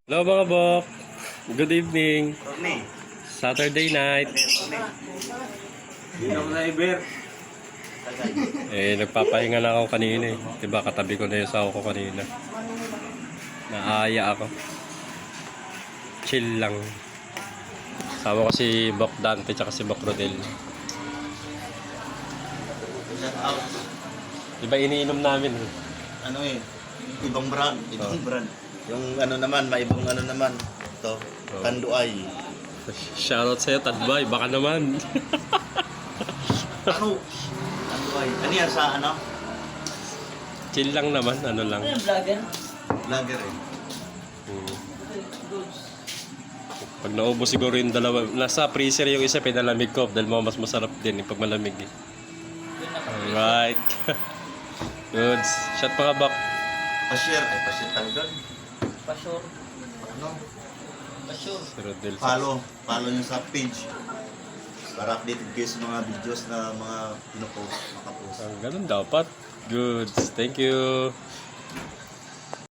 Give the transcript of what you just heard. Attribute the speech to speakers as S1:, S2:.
S1: Hello mga bok. Good evening.
S2: Tony.
S1: Saturday night.
S2: Hindi ako driver.
S1: Nagpapahinga na ako kanina eh. Diba katabi ko na yung sawa ko kanina. Naaya ako. Chill lang. Sama ko si Bok Dante tsaka si Bok Rodel.
S2: Shout out.
S1: Diba iniinom namin?
S2: Ano eh, ibang brand. Ibang brand. Yung ano naman, maibang ano naman. Ito, Kanduay.
S1: Shoutout sa'yo, Tadbay. Baka naman.
S2: Ano? Kanduay. Ano yan sa ano?
S1: Chill lang naman. Ano lang.
S3: Ano yung vlogger?
S2: Lager eh.
S1: Pag naubos siguro yung dalawa. Nasa freezer yung isa, pinalamig ko. Dahil mo mas masarap din pag malamig eh. Alright. Goods. Shot pa nga Bok.
S2: Pa-share. Ay, pa-share tayo doon.
S3: Pasure.
S2: Ano?
S3: Pasure.
S1: Si Rodel.
S2: Follow. Follow nyo sa page. Para updated kayo sa mga videos na mga pinopost, makapost.
S1: Ganun dapat. Goods. Thank you.